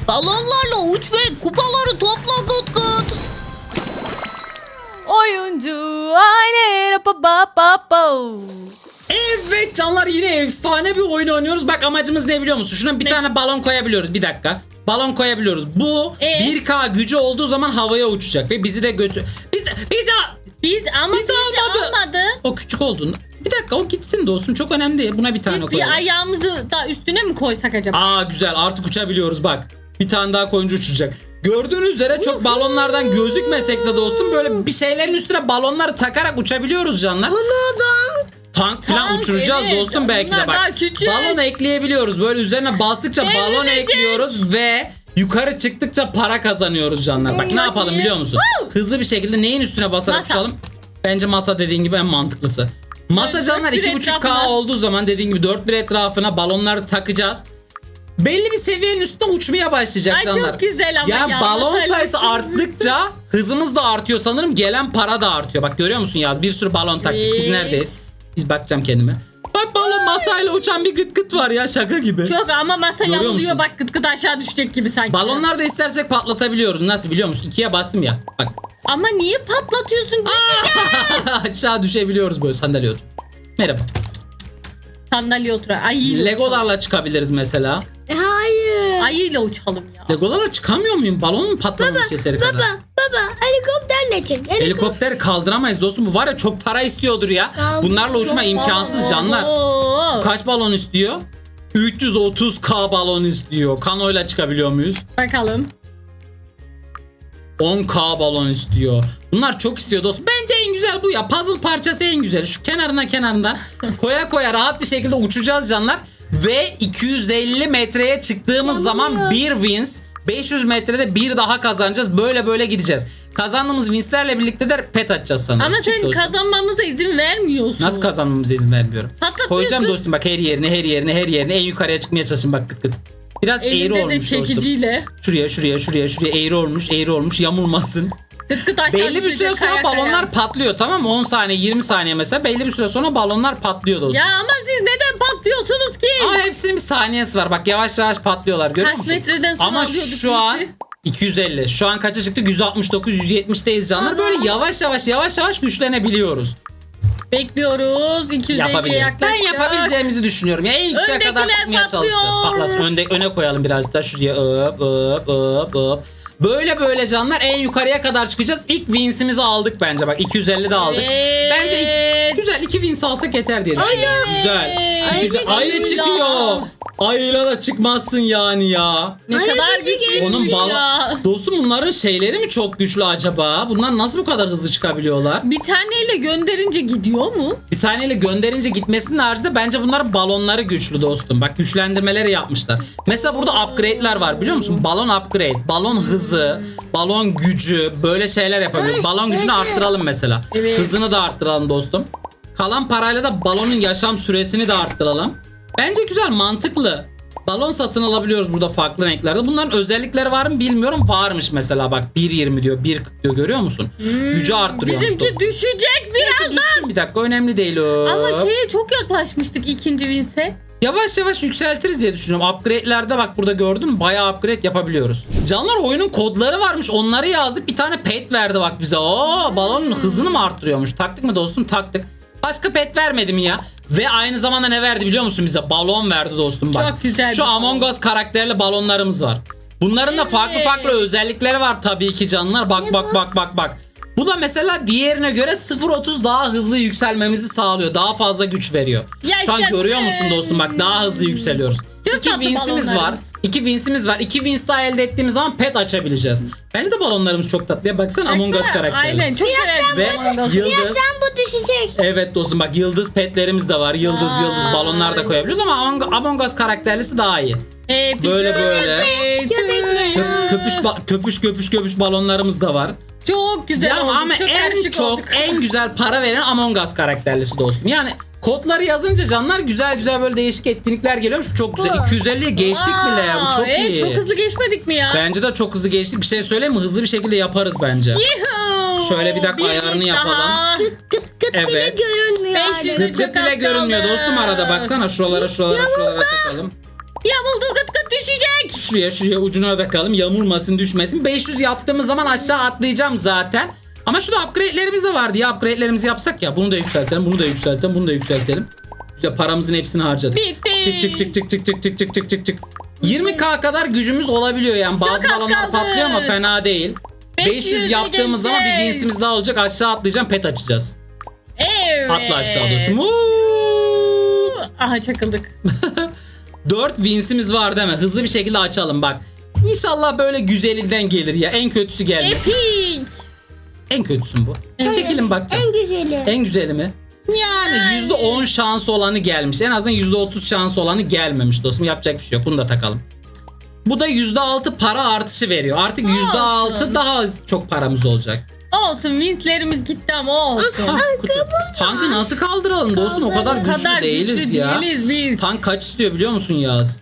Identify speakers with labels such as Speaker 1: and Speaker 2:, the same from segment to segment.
Speaker 1: Balonlarla uç ve kupaları topla Gut Gut.
Speaker 2: Oyuncu aile
Speaker 3: Evet canlar, yine efsane bir oyun oynuyoruz. Bak amacımız ne biliyor musun? Şuna bir tane balon koyabiliyoruz. Bir dakika. Balon koyabiliyoruz. Bu 1K gücü olduğu zaman havaya uçacak ve bizi de götür. Bizi
Speaker 1: almadı.
Speaker 3: O küçük olduğunda. Bir dakika, o gitsin dostum. Çok önemli değil. Buna bir tane
Speaker 1: Biz
Speaker 3: koyalım.
Speaker 1: bir ayağımızı da üstüne mi koysak acaba?
Speaker 3: Aa güzel, artık uçabiliyoruz bak. Bir tane daha koyunca uçacak. Gördüğünüz üzere çok balonlardan gözükmesek de dostum böyle bir şeylerin üstüne balonları takarak uçabiliyoruz canlar. Tank falan
Speaker 1: Tank,
Speaker 3: uçuracağız
Speaker 1: evet.
Speaker 3: dostum belki de
Speaker 1: Bunlar daha
Speaker 3: bak.
Speaker 1: küçük.
Speaker 3: Balon ekleyebiliyoruz. Böyle üzerine bastıkça balon
Speaker 1: Devrilecek.
Speaker 3: ekliyoruz ve yukarı çıktıkça para kazanıyoruz canlar. Bak ne yapalım
Speaker 1: iyi.
Speaker 3: biliyor musun? Hızlı bir şekilde neyin üstüne basarak
Speaker 1: Masa.
Speaker 3: uçalım? Bence masa dediğin gibi en mantıklısı. Masa
Speaker 1: Evet,
Speaker 3: canlar
Speaker 1: dört bir
Speaker 3: 2.5K
Speaker 1: etrafına.
Speaker 3: olduğu zaman dediğin gibi 4 bir etrafına balonları takacağız. Belli bir seviyenin üstüne uçmaya başlayacak
Speaker 1: Ay, çok
Speaker 3: canlar.
Speaker 1: güzel ama ya.
Speaker 3: Balon
Speaker 1: Masayla
Speaker 3: sayısı
Speaker 1: uçuyoruz.
Speaker 3: arttıkça hızımız da artıyor sanırım. Gelen para da artıyor. Bak görüyor musun Yaz? Bir sürü balon taktık. Biz
Speaker 1: Evet.
Speaker 3: neredeyiz? Biz bakacağım kendime. Bak balon masayla uçan bir gıt gıt var ya, şaka gibi.
Speaker 1: Çok ama masa
Speaker 3: Görüyor
Speaker 1: yamuluyor
Speaker 3: musun?
Speaker 1: bak, Gut aşağı düşecek gibi sanki.
Speaker 3: Balonlar da istersek patlatabiliyoruz. Nasıl biliyor musun? 2'ye bastım ya. Bak.
Speaker 1: Ama niye patlatıyorsun?
Speaker 3: Aşağı düşebiliyoruz böyle sandalye otur. Merhaba.
Speaker 1: Sandalye otur. Ayıyla
Speaker 3: Legolarla çıkabiliriz mesela.
Speaker 4: Hayır.
Speaker 1: Ayıyla uçalım ya.
Speaker 3: Legolarla çıkamıyor muyum? Balonun mu patlamamış yeteri kadar?
Speaker 4: Baba helikopterle çık.
Speaker 3: Helikopteri kaldıramayız dostum. Bu var ya, çok para istiyordur ya. Bunlarla uçma imkansız canlar.
Speaker 1: Oo.
Speaker 3: Kaç balon istiyor? 330K balon istiyor. Kanoyla çıkabiliyor muyuz?
Speaker 1: Bakalım.
Speaker 3: 10K balon istiyor. Bunlar çok istiyor dostum. Bence en güzel bu ya. Puzzle parçası en güzeli. Şu kenarına koya koya rahat bir şekilde uçacağız canlar. Ve 250 metreye çıktığımız zaman bir wins. 500 metrede bir daha kazanacağız. Böyle böyle gideceğiz. Kazandığımız winslerle birlikte de pet açacağız sanırım.
Speaker 1: Ama
Speaker 3: Çık
Speaker 1: sen
Speaker 3: dostum.
Speaker 1: kazanmamıza izin vermiyorsun.
Speaker 3: Nasıl kazanmamıza izin vermiyorum?
Speaker 1: Patlatıyorsun.
Speaker 3: Koyacağım dostum bak, her yerine en yukarıya çıkmaya çalışın bak, gıt gıt. Biraz eğri
Speaker 1: Elinde de
Speaker 3: olmuş dostum.
Speaker 1: çekiciyle.
Speaker 3: Şuraya eğri olmuş yamulmasın.
Speaker 1: Gıt aşağı
Speaker 3: Belli bir süre
Speaker 1: düşecek,
Speaker 3: sonra
Speaker 1: kaya
Speaker 3: balonlar
Speaker 1: kaya.
Speaker 3: patlıyor, tamam mı? 10 saniye 20 saniye mesela, belli bir süre sonra balonlar patlıyor dostum.
Speaker 1: Ya ama siz neden patlıyorsunuz ki?
Speaker 3: Ama hepsinin bir saniyesi var, bak yavaş yavaş patlıyorlar, görüyor
Speaker 1: Kaç
Speaker 3: musun?
Speaker 1: metreden sonra
Speaker 3: Ama
Speaker 1: alıyorduk
Speaker 3: şu an
Speaker 1: bizi?
Speaker 3: 250, şu an kaça çıktık? 169 170'teyiz canlar. Böyle yavaş yavaş güçlenebiliyoruz.
Speaker 1: Bekliyoruz. 250'ye
Speaker 3: Yapabiliriz. Ben
Speaker 1: yaklaşacak.
Speaker 3: yapabileceğimizi düşünüyorum. Ya en yükseğe kadar
Speaker 1: Öndekiler
Speaker 3: çıkmaya
Speaker 1: patlıyor.
Speaker 3: çalışacağız. Patlasın. Öne koyalım biraz da şuraya. Hop. Böyle canlar en yukarıya kadar çıkacağız. İlk wins'imizi aldık bence. Bak 250 de aldık.
Speaker 1: Evet.
Speaker 3: Bence güzel 2 wins alsak yeter diye düşünüyorum. Güzel. Ayı çıkıyor. Ayıyla da çıkmazsın yani ya.
Speaker 1: Ne
Speaker 4: Ay,
Speaker 1: kadar
Speaker 4: bizi
Speaker 1: güçlüymüş
Speaker 3: Onun
Speaker 1: ya.
Speaker 3: Dostum bunların şeyleri mi çok güçlü acaba? Bunlar nasıl bu kadar hızlı çıkabiliyorlar?
Speaker 1: Bir taneyle gönderince gidiyor mu?
Speaker 3: Bir taneyle gönderince gitmesinin haricinde bence bunların balonları güçlü dostum. Bak güçlendirmeleri yapmışlar. Mesela burada upgrade'ler var biliyor musun? Balon upgrade, balon hızı, balon gücü, böyle şeyler yapabiliyoruz. Balon gücünü arttıralım mesela.
Speaker 1: Evet.
Speaker 3: Hızını da arttıralım dostum. Kalan parayla da balonun yaşam süresini de arttıralım. Bence güzel, mantıklı. Balon satın alabiliyoruz burada farklı renklerde. Bunların özellikleri var mı bilmiyorum. Varmış mesela bak 1.20 diyor, 1.40 diyor, görüyor musun? Gücü arttırıyormuş
Speaker 1: Bizimki
Speaker 3: dostum.
Speaker 1: düşecek biraz.
Speaker 3: Düşsün bir dakika, önemli değil o.
Speaker 1: Ama şeye çok yaklaşmıştık ikinci winse.
Speaker 3: Yavaş yavaş yükseltiriz diye düşünüyorum. Upgrade'lerde bak burada gördün mü? Bayağı upgrade yapabiliyoruz. Canlar oyunun kodları varmış. Onları yazdık. Bir tane pet verdi bak bize. Oo, balonun hızını mı arttırıyormuş? Taktık mı dostum? Taktık. Başka pet vermedi mi ya? Ve aynı zamanda ne verdi biliyor musun bize? Balon verdi dostum bak.
Speaker 1: Çok güzel
Speaker 3: Şu
Speaker 1: bir
Speaker 3: Among Us karakterli balonlarımız var. Bunların da farklı özellikleri var tabii ki canlar. Bak. Bu da mesela diğerine göre 0.30 daha hızlı yükselmemizi sağlıyor. Daha fazla güç veriyor. Şu an
Speaker 1: Yaşasın.
Speaker 3: görüyor musun dostum? Bak daha hızlı yükseliyoruz.
Speaker 1: Çok
Speaker 3: 2
Speaker 1: tatlı
Speaker 3: wins'imiz var.
Speaker 1: balonlarımız.
Speaker 3: 2 wins daha elde ettiğimiz zaman pet açabileceğiz. Bence de balonlarımız çok tatlı. Ya baksana Among Us karakteri.
Speaker 1: Aynen çok
Speaker 3: Ve
Speaker 1: güzel.
Speaker 3: yıldız.
Speaker 4: Sen bu düşecek.
Speaker 3: Evet dostum bak yıldız petlerimiz de var. Yıldız balonlar da koyabiliyoruz ama Among Us karakterlisi daha iyi. Böyle. Köpüş balonlarımız da var.
Speaker 1: Çok güzel
Speaker 3: Ya
Speaker 1: oldu.
Speaker 3: ama
Speaker 1: Çok
Speaker 3: en
Speaker 1: karışık
Speaker 3: çok
Speaker 1: olduk.
Speaker 3: en güzel para veren Among Us karakterlisi dostum. Yani kodları yazınca canlar güzel böyle değişik etkinlikler geliyormuş. Çok güzel. 250'ye geçtik bile ya. Bu çok
Speaker 1: evet,
Speaker 3: iyi.
Speaker 1: çok hızlı geçmedik mi ya?
Speaker 3: Bence de çok hızlı geçtik. Bir şey söyleyeyim mi? Hızlı bir şekilde yaparız bence.
Speaker 1: Yuhuu.
Speaker 3: Şöyle bir dakika ayarını
Speaker 1: wins
Speaker 3: yapalım.
Speaker 1: daha.
Speaker 4: Gıt bile
Speaker 3: Evet.
Speaker 4: görünmüyor.
Speaker 1: 500
Speaker 4: artık.
Speaker 1: Çok
Speaker 3: Gıt bile
Speaker 1: az
Speaker 3: görünmüyor
Speaker 1: kaldı.
Speaker 3: dostum arada. Baksana şuralara takalım.
Speaker 1: Yamuldu gıt düşecek.
Speaker 3: Şuraya ucuna bakalım. Yamulmasın, düşmesin. 500 yaptığımız zaman aşağı atlayacağım zaten. Ama şurada upgrade'lerimiz de vardı ya. Upgrade'lerimizi yapsak ya. Bunu da yükseltelim. Bunu da yükseltelim. Bunu da yükseltelim. Güzel, paramızın hepsini harcadık.
Speaker 2: Bitti.
Speaker 3: Çık. 20k kadar gücümüz olabiliyor yani. Bazı
Speaker 2: az
Speaker 3: balonlar
Speaker 2: kaldı.
Speaker 3: patlıyor ama fena değil. 500 yaptığımız zaman bir
Speaker 2: geleceğiz.
Speaker 3: winsimiz daha olacak. Aşağı atlayacağım, pet açacağız.
Speaker 2: Evet.
Speaker 3: Atla aşağı dostum.
Speaker 2: Aha çakıldık.
Speaker 3: 4 winsimiz var değil mi? Hızlı bir şekilde açalım bak. İnşallah böyle güzelinden gelir ya. En kötüsü geldi.
Speaker 2: Epic.
Speaker 3: En kötüsün bu. Çekilin bakacağım.
Speaker 4: En güzeli.
Speaker 3: En güzeli mi? Yani %10 şansı olanı gelmiş. En azından %30 şansı olanı gelmemiş dostum. Yapacak bir şey yok. Bunu da takalım. Bu da %6 para artışı veriyor. Artık %6
Speaker 2: Olsun.
Speaker 3: daha çok paramız olacak.
Speaker 2: Olsun winslerimiz gitti ama olsun.
Speaker 3: Tankı nasıl kaldıralım dostum? O kadar
Speaker 2: O
Speaker 3: güçlü
Speaker 2: kadar
Speaker 3: değiliz
Speaker 2: güçlü
Speaker 3: ya.
Speaker 2: değiliz biz.
Speaker 3: Tank kaç istiyor biliyor musun Yaz?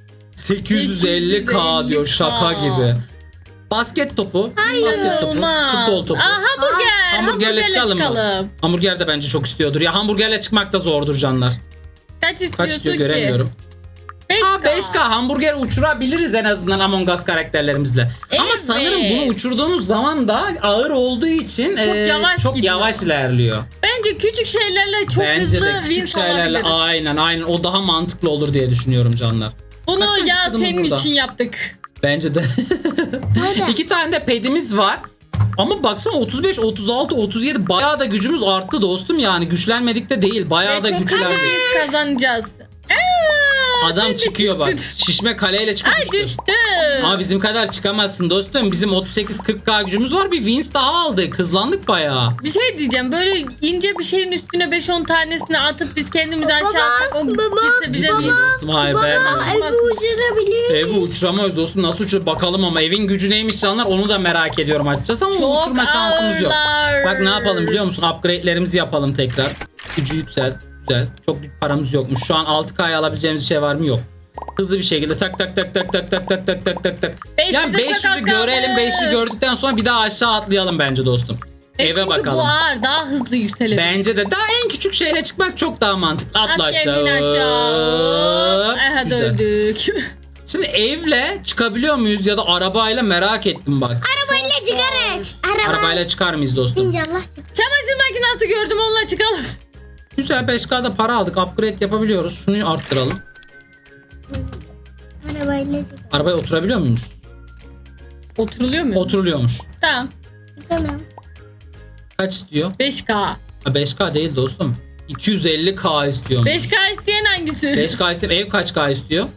Speaker 3: 850k diyor, şaka gibi. Basket topu. Basket topu.
Speaker 2: Olmaz.
Speaker 3: Futbol topu.
Speaker 2: Aa, hamburger.
Speaker 3: Hamburgerle çıkalım mı? Hamburger de bence çok istiyordur. Ya hamburgerle çıkmak da zordur canlar.
Speaker 2: Kaç istiyorsun
Speaker 3: Kaç istiyor
Speaker 2: ki?
Speaker 3: göremiyorum.
Speaker 2: 5K.
Speaker 3: 5K hamburger uçurabiliriz en azından Among Us karakterlerimizle. Ama
Speaker 2: Evet.
Speaker 3: sanırım bunu uçurduğumuz zaman da ağır olduğu için
Speaker 2: yavaş
Speaker 3: çok
Speaker 2: gidiyor.
Speaker 3: yavaş ilerliyor.
Speaker 2: Bence küçük şeylerle çok
Speaker 3: Bence
Speaker 2: hızlı
Speaker 3: de küçük
Speaker 2: wins
Speaker 3: şeylerle
Speaker 2: alabiliriz.
Speaker 3: aynen o daha mantıklı olur diye düşünüyorum canlar.
Speaker 2: Bunu
Speaker 3: Baksana,
Speaker 2: ya
Speaker 3: kızımız
Speaker 2: senin
Speaker 3: burada.
Speaker 2: için yaptık.
Speaker 3: Bence de.
Speaker 4: Hadi.
Speaker 3: 2 tane de pedimiz var. Ama baksana 35, 36, 37 bayağı da gücümüz arttı dostum yani. Güçlenmedik de değil. Bayağı da
Speaker 2: Ve çok hızlı
Speaker 3: güçlendik.
Speaker 2: wins kazanacağız.
Speaker 3: Adam
Speaker 2: sen de
Speaker 3: çıkıyor bak.
Speaker 2: kimsin?
Speaker 3: Şişme kaleyle çıkıyor.
Speaker 2: Ay
Speaker 3: düştü.
Speaker 2: düştü.
Speaker 3: Ama bizim kadar çıkamazsın dostum. Bizim 38-40k gücümüz var. Bir wins daha aldık. Hızlandık bayağı.
Speaker 2: Bir şey diyeceğim. Böyle ince bir şeyin üstüne 5-10 tanesini atıp biz kendimizi aşağı atsak o gitse bize
Speaker 3: Baba.
Speaker 2: win.
Speaker 3: Dostum hayır beğenmedim.
Speaker 4: Evi uçurabiliyor.
Speaker 3: Evi uçuramayız dostum. Nasıl uçur bakalım ama evin gücü neymiş canlar onu da merak ediyorum açacağız ama
Speaker 2: Çok
Speaker 3: uçurma şansımız yok.
Speaker 2: ağırlar.
Speaker 3: Bak ne yapalım biliyor musun? Upgrade'lerimizi yapalım tekrar. Gücü yükselt. Güzel. Çok büyük paramız yokmuş. Şu an 6K'ya alabileceğimiz bir şey var mı? Yok. Hızlı bir şekilde tak.
Speaker 2: 500'e
Speaker 3: Yani
Speaker 2: çok az
Speaker 3: 500'ü görelim.
Speaker 2: kaldı.
Speaker 3: 500'ü gördükten sonra bir daha aşağı atlayalım bence dostum. Eve
Speaker 2: Çünkü bu
Speaker 3: bakalım.
Speaker 2: ağır daha hızlı yükselelim.
Speaker 3: Bence de daha en küçük şeyle çıkmak çok daha mantıklı. Atla
Speaker 2: At
Speaker 3: aşağı.
Speaker 2: kendini aşağı. Aha
Speaker 3: Güzel.
Speaker 2: döndük.
Speaker 3: Şimdi evle çıkabiliyor muyuz ya da arabayla merak ettim bak.
Speaker 4: Arabayla çıkarız.
Speaker 3: Arabayla çıkar mıyız dostum?
Speaker 4: İnşallah.
Speaker 2: Çamaşır makinesi gördüm onunla çıkalım.
Speaker 3: Güzel 5K'da para aldık. Upgrade yapabiliyoruz. Şunu arttıralım.
Speaker 4: Arabayla çıkarız.
Speaker 3: Arabaya oturabiliyor muyuz?
Speaker 2: Oturuluyor mu?
Speaker 3: Oturuluyormuş.
Speaker 2: Tamam.
Speaker 4: Tamam.
Speaker 3: Kaç istiyor?
Speaker 2: 5K.
Speaker 3: Ha, 5K değil dostum. 250K istiyormuş.
Speaker 2: 5K isteyen hangisi?
Speaker 3: 5K istiyor. Ev kaç K istiyor?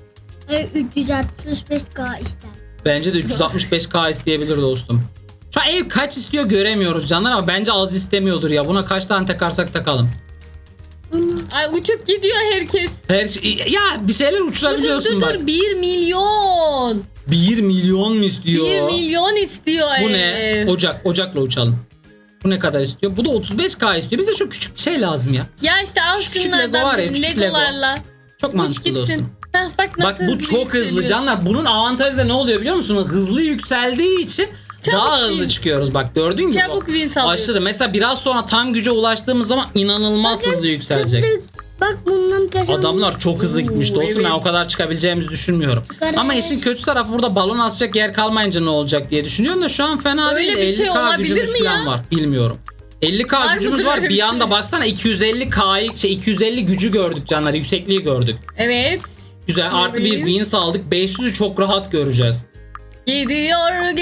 Speaker 4: 365K ister.
Speaker 3: Bence de 365K isteyebilir dostum. Şu an ev kaç istiyor göremiyoruz canlar ama bence az istemiyordur ya. Buna kaç tane takarsak takalım.
Speaker 2: Ay uçup gidiyor herkes.
Speaker 3: Her şey, ya bir şeyler uçurabiliyorsun bak.
Speaker 2: Dur 1 milyon.
Speaker 3: 1 milyon mu istiyor?
Speaker 2: 1 milyon istiyor
Speaker 3: Bu
Speaker 2: ev.
Speaker 3: ne? Ocakla uçalım. Bu ne kadar istiyor? Bu da 35K istiyor. Bize şu küçük bir şey lazım ya.
Speaker 2: Ya işte al
Speaker 3: Şu küçük
Speaker 2: şunlardan
Speaker 3: Lego var ya, küçük Lego.
Speaker 2: Legolarla.
Speaker 3: Çok
Speaker 2: Uç
Speaker 3: mantıklı
Speaker 2: gitsin.
Speaker 3: dostum.
Speaker 2: Heh, bak nasıl
Speaker 3: Bak bu çok hızlı
Speaker 2: yükseliyor.
Speaker 3: canlar. Bunun avantajı da ne oluyor biliyor musunuz? Hızlı yükseldiği için
Speaker 2: Çabuk
Speaker 3: daha hızlı
Speaker 2: win.
Speaker 3: çıkıyoruz. Bak gördün mü?
Speaker 2: Çabuk win alıyoruz.
Speaker 3: Aşırı. Mesela biraz sonra tam güce ulaştığımız zaman inanılmaz hızlı yükselecek.
Speaker 4: Bak bundan kazandım.
Speaker 3: Adamlar çok hızlı gitmiş dostum.
Speaker 2: evet.
Speaker 3: Ben o kadar çıkabileceğimizi düşünmüyorum.
Speaker 4: Çıkarız.
Speaker 3: Ama işin kötü tarafı burada balon asacak yer kalmayınca ne olacak diye düşünüyorum da şu an fena
Speaker 2: Öyle
Speaker 3: değil.
Speaker 2: bir şey
Speaker 3: 50K
Speaker 2: olabilir
Speaker 3: gücümüz
Speaker 2: mi
Speaker 3: falan
Speaker 2: ya?
Speaker 3: var. Bilmiyorum. 50K
Speaker 2: Var
Speaker 3: gücümüz
Speaker 2: mıdır
Speaker 3: var.
Speaker 2: öyle
Speaker 3: Bir
Speaker 2: bir
Speaker 3: anda
Speaker 2: şey?
Speaker 3: baksana 250K'yı 250 gücü gördük canlar. Yüksekliği gördük.
Speaker 2: Evet.
Speaker 3: Güzel. Artı bir
Speaker 2: Evet.
Speaker 3: wins aldık. 500'ü çok rahat göreceğiz.
Speaker 2: Gidiyor.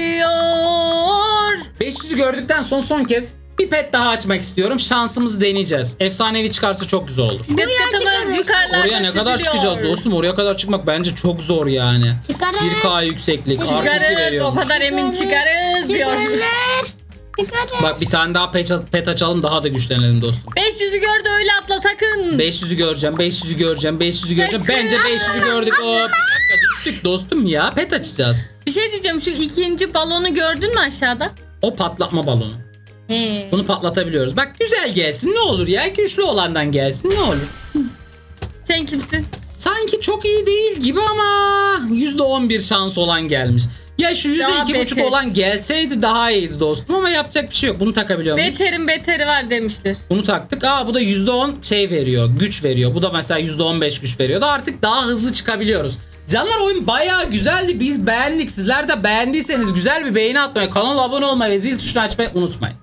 Speaker 3: 500'ü gördükten sonra son kez bir pet daha açmak istiyorum. Şansımızı deneyeceğiz. Efsanevi çıkarsa çok güzel olur.
Speaker 2: Gıt gıtımız
Speaker 4: çıkarız.
Speaker 2: yukarılarda
Speaker 3: Oraya ne kadar
Speaker 2: süzülüyor.
Speaker 3: çıkacağız dostum? Oraya kadar çıkmak bence çok zor yani.
Speaker 4: Çıkarız.
Speaker 3: 1K yükseklik. Artı 2
Speaker 2: Çıkarız. O
Speaker 3: veriyormuş.
Speaker 2: kadar emin çıkarız diyor.
Speaker 4: Çıkarız.
Speaker 3: Bak bir tane daha pet açalım daha da güçlenelim dostum.
Speaker 2: 500'ü gördü öyle atla sakın.
Speaker 3: 500'ü göreceğim, 500'ü göreceğim, 500'ü göreceğim.
Speaker 2: Sakın.
Speaker 3: Bence 500'ü gördük. Hop. Düştük dostum ya. Pet açacağız.
Speaker 2: Bir şey diyeceğim şu ikinci balonu gördün mü aşağıda?
Speaker 3: O patlatma balonu.
Speaker 2: He.
Speaker 3: Bunu patlatabiliyoruz. Bak güzel gelsin ne olur ya. Güçlü olandan gelsin ne olur.
Speaker 2: Sen kimsin?
Speaker 3: Sanki çok iyi değil gibi ama %11 şans olan gelmiş. Ya şu
Speaker 2: Daha
Speaker 3: %2,5
Speaker 2: beter.
Speaker 3: olan gelseydi daha iyiydi dostum ama yapacak bir şey yok. Bunu takabiliyor muyuz?
Speaker 2: Beterin beteri var demiştir.
Speaker 3: Bunu taktık. Bu da %10 şey veriyor. Güç veriyor. Bu da mesela %15 güç veriyor. Da artık daha hızlı çıkabiliyoruz. Canlar oyun bayağı güzeldi. Biz beğendik. Sizler de beğendiyseniz güzel bir beğeni atmayı, kanala abone olmayı ve zil tuşunu açmayı unutmayın.